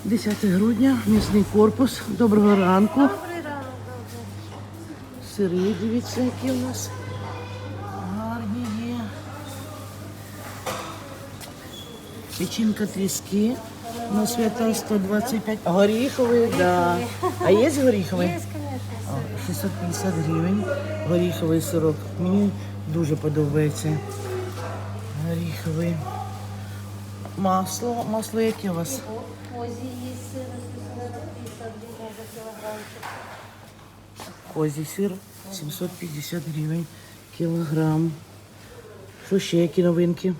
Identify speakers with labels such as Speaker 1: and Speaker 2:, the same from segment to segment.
Speaker 1: 10 грудня, м'ясний корпус. Доброго ранку.
Speaker 2: Добрий ранок, добре.
Speaker 1: Сири, дивіться, які у нас гарні є. Печінка тріски. На свята 125. Горіховий, да. А є горіховий?
Speaker 2: Є, звісно.
Speaker 1: 650 гривень. Горіховий сирок. Мені дуже подобається. Горіховий. Масло. Масло яке у вас?
Speaker 2: Козі є сир, 750 гривень за кілограмчик.
Speaker 1: Козій сир 750 гривень кілограм. Що ще, які новинки?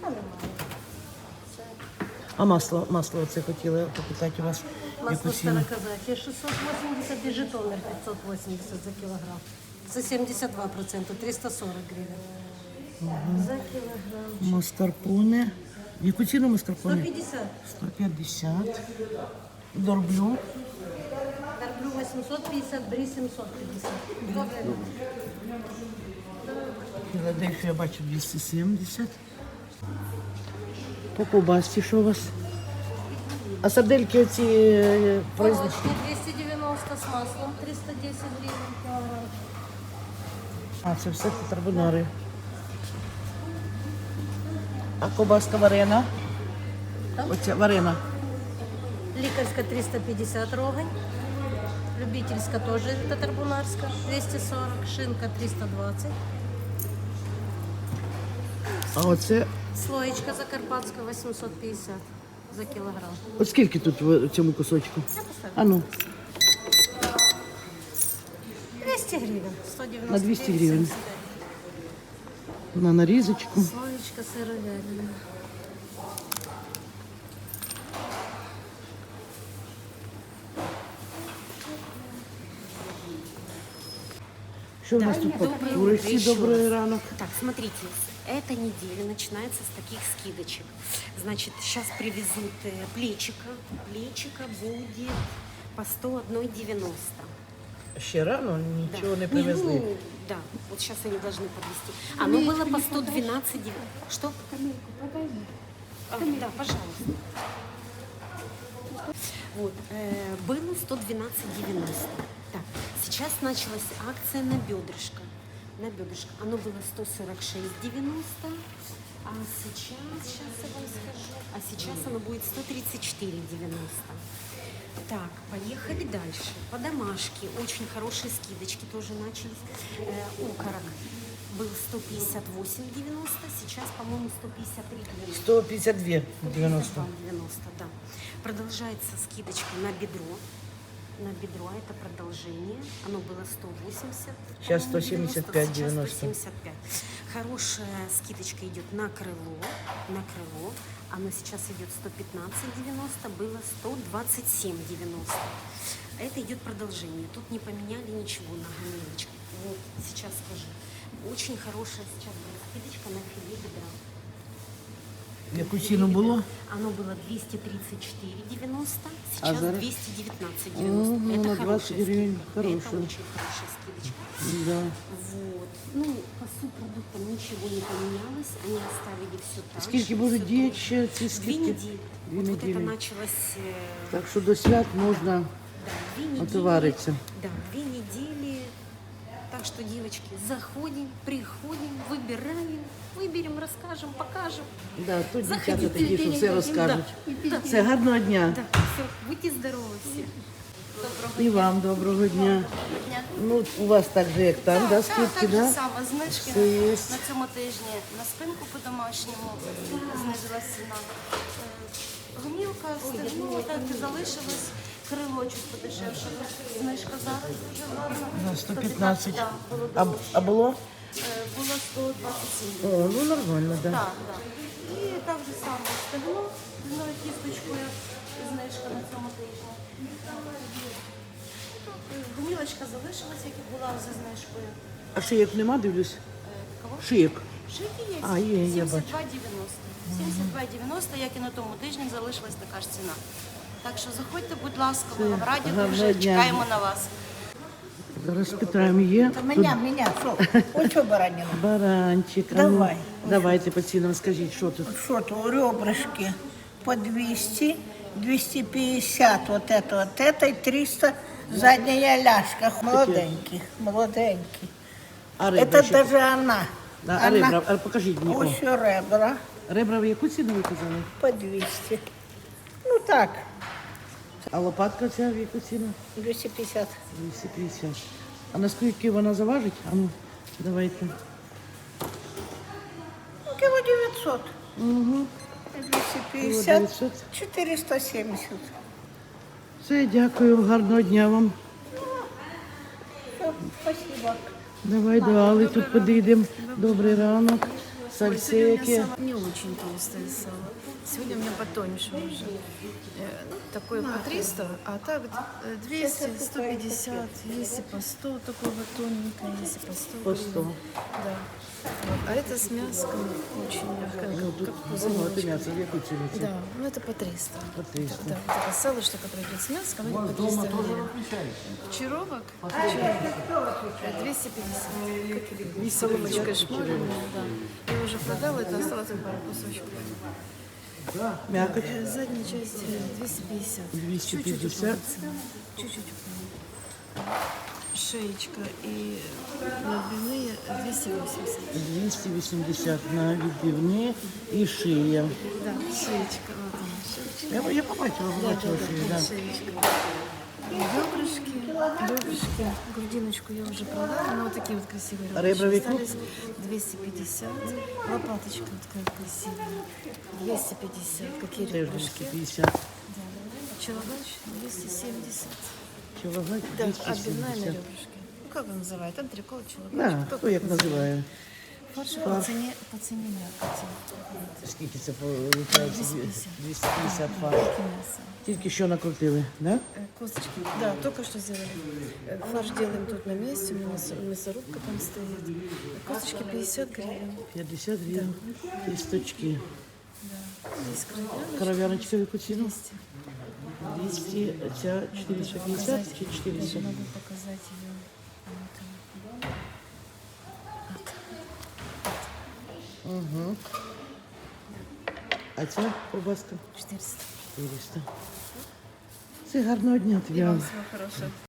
Speaker 1: А масло оце хотіла попитати у вас.
Speaker 2: Масло
Speaker 1: Яку ціну?
Speaker 2: староказачье 680 и Житомир 580 за килограмм. За 72%, 340 гривен. За килограмм.
Speaker 1: Маскарпоне. Яку ціну маскарпоне?
Speaker 2: 150.
Speaker 1: 150. Дорблю.
Speaker 2: Дорблю 850, бри 750.
Speaker 1: Філадельфія, бачу, 270. По ковбасці що у вас? А сардельки оці производні?
Speaker 2: Молочный 290 с маслом, 310 гривен килограмм.
Speaker 1: А, це все карбонари. А ковбаска варена?
Speaker 2: Там?
Speaker 1: Оця варена.
Speaker 2: Ликарская 350 рогань. Любительская тоже татарбунарская 240. Шинка 320.
Speaker 1: А оце,
Speaker 2: Слоечка закарпатская 850 за килограмм.
Speaker 1: от скільки тут в цьому кусочку?
Speaker 2: Я поставлю.
Speaker 1: А ну,
Speaker 2: 200 гривен. 190
Speaker 1: На 200 гривен.
Speaker 2: 79.
Speaker 1: на нарізочку.
Speaker 2: Слоечка сыровяльная.
Speaker 1: Що в нас тут по курочці? Добрий ранок.
Speaker 3: Так, смотрите, эта неделя начинается с таких скидочек. Значит, сейчас привезут плечика. Плечика будет по 101,90.
Speaker 1: Ще рано нічого не привезли.
Speaker 3: Ну, да, вот сейчас они должны подвезти. Оно было по 112,90. Что? Да, пожалуйста. Вот, было 112,90. Так, сейчас началась акция на бедрышко. На бедрышко. Оно было 146,90. А сейчас я вам скажу, а сейчас оно будет 134,90. Так, поехали дальше. По домашке очень хорошие скидочки тоже начались. Окорок был 158,90, сейчас, по-моему, 153,90.
Speaker 1: 152,90.
Speaker 3: 90, да. Продолжается скидочка на бедро. На бедро это продолжение. Оно было 180.
Speaker 1: Сейчас
Speaker 3: по-моему,
Speaker 1: 175,90.
Speaker 3: Сейчас 175. Хорошая скидочка идет на крыло. На крыло. Оно сейчас идет 115,90, было 127,90. Это идет продолжение. Тут не поменяли ничего на гамелочку. Вот, сейчас скажу. Очень хорошая сейчас была скидочка на филе бедра.
Speaker 1: Яку ціну було?
Speaker 3: Оно было 234,90,
Speaker 1: А
Speaker 3: сейчас
Speaker 1: зараз?
Speaker 3: 219,90.
Speaker 1: Ну,
Speaker 3: Это
Speaker 1: на 20
Speaker 3: хорошая
Speaker 1: гривен
Speaker 3: скидка.
Speaker 1: хорошая.
Speaker 3: Это очень хорошая скидочка.
Speaker 1: Да.
Speaker 3: Вот. Ну, по субпродуктам ничего не поменялось. Они оставили все так же.
Speaker 1: Скільки будуть
Speaker 3: всё
Speaker 1: діяти
Speaker 3: то же.
Speaker 1: ще ці
Speaker 3: 2
Speaker 1: скидки?
Speaker 3: недели.
Speaker 1: 2
Speaker 3: Вот это
Speaker 1: недели.
Speaker 3: началось...
Speaker 1: Так що до свят можна
Speaker 3: Да, 2 недели.
Speaker 1: отовариться.
Speaker 3: Да, 2 недели. Так что, девочки, заходим, приходим, выберем, расскажем, покажем.
Speaker 1: Да, тут дівчата
Speaker 3: Заходіть.
Speaker 1: такі, що все розкажуть.
Speaker 3: Да.
Speaker 1: Все, гарного дня.
Speaker 3: Да, все, будьте здоровы все.
Speaker 1: І вам доброго дня. Ну, у вас так же, як там, да, скидки,
Speaker 4: так же
Speaker 1: да?
Speaker 4: само, знижки
Speaker 1: Все є.
Speaker 4: на цьому тижні на спинку по-домашньому знизилась ціна. Гомілка, стегно, так і залишилось, крило чуть подешевше. Знижка зараз дуже гарна.
Speaker 1: На 115.
Speaker 4: Да, було
Speaker 1: А було?
Speaker 4: було 127.
Speaker 1: О, ну нормально, да.
Speaker 4: Так, так. І так же само стегно з новою кісточкою, знижка на цьому тижні. Гомілочка залишилась, як і була за знижкою.
Speaker 1: А шиєк нема, дивлюсь?
Speaker 4: Кого?
Speaker 1: Шиєк.
Speaker 4: Шики є.
Speaker 1: А, є, я бачу.
Speaker 4: 72,90. 72,90, як і на тому тижні, залишилась така ж ціна. Так що заходьте, будь ласка, ми вам раді
Speaker 1: гарного
Speaker 4: дуже,
Speaker 1: дня.
Speaker 4: чекаємо на вас.
Speaker 1: Зараз питаємо, є?
Speaker 5: Меня, что? Ось що баранина.
Speaker 1: Баранчик. А ну,
Speaker 5: Давай.
Speaker 1: давайте по цінам скажіть, що тут?
Speaker 5: Що то, ребрышки по 200, 250 вот это и 300 задняя ляжка. Молоденький.
Speaker 1: А ребра
Speaker 5: Это
Speaker 1: ще?
Speaker 5: даже она.
Speaker 1: Да, а ребра, а покажіть мені. О,
Speaker 5: Ось ребра
Speaker 1: ребра в яку ціну ви казали?
Speaker 5: по 200. Ну так,
Speaker 1: А лопатка ця в яку ціну?
Speaker 5: 250.
Speaker 1: 250. А наскільки вона заважить? А ну, давайте.
Speaker 5: Ну, кило 900.
Speaker 1: Угу.
Speaker 5: 250.
Speaker 1: 900.
Speaker 5: 470.
Speaker 1: Все, дякую, гарного дня вам.
Speaker 5: Все, спасибо.
Speaker 1: Давай до Алли тут подійдемо. Добрий ранок. Сальце яке.
Speaker 6: Не очень толстое сало. Сегодня у меня потоньше уже. Ну, такое по 300, а так 200, 150, если по 100, такого тоненькое, если по 100.
Speaker 1: По 100.
Speaker 6: Да. Вот. А это с мяском очень мягкое,
Speaker 1: Ну, тут
Speaker 6: как
Speaker 1: багато
Speaker 6: пузыречек.
Speaker 1: м'яса, в яку ціну це?
Speaker 6: Да, ну это по 300.
Speaker 1: По 300.
Speaker 6: Да, вот это сало, что которое идет с мяском, это по 300 гривен. Чаровок 250. Как соломочкой шмаленная, да. Я уже продала, это осталось только пару кусочков.
Speaker 1: Мякоть.
Speaker 6: Задняя часть 250.
Speaker 1: 250.
Speaker 6: Чуть-чуть. Шеечка и отбивные 280.
Speaker 1: 280 на відбивні і шия.
Speaker 6: Да, шеечка. Вот она, шеечка.
Speaker 1: Я побачила, шию, да.
Speaker 6: Шеечка. Ребрышки, грудиночку я уже продала, но вот такие вот красивые
Speaker 1: А ребра
Speaker 6: ребрышки
Speaker 1: веку?
Speaker 6: остались. 250. Лопаточка вот такая красивая. 250. Какие
Speaker 1: Теж
Speaker 6: ребрышки?
Speaker 1: 250.
Speaker 6: Да. Челогач 270.
Speaker 1: Чоловік
Speaker 6: Да, отбивная на
Speaker 1: 270.
Speaker 6: ребрышке. Ну, как он называет? Антрикот, челогач.
Speaker 1: Да, хто як називає.
Speaker 6: Фарш по цене мякоти.
Speaker 1: Скільки це виходить? 250 фарш.
Speaker 6: Как и мясо.
Speaker 1: Тільки що накрутили, да?
Speaker 6: Косточки. Да, только что сделали. Фарш делаем тут на месте, у меня мясорубка там стоит. Косточки 50 гривен.
Speaker 1: 50 гривень. Кісточки.
Speaker 6: Да. Здесь кровяночка.
Speaker 1: Кров'яночка в яку ціну?
Speaker 6: 200.
Speaker 1: 200, ця 450 чи 400?
Speaker 6: Могу показать ее.
Speaker 1: Угу. А ця ковбаска?
Speaker 6: 400.
Speaker 1: 400. Це гарного дня тобі.
Speaker 6: Всего хорошего.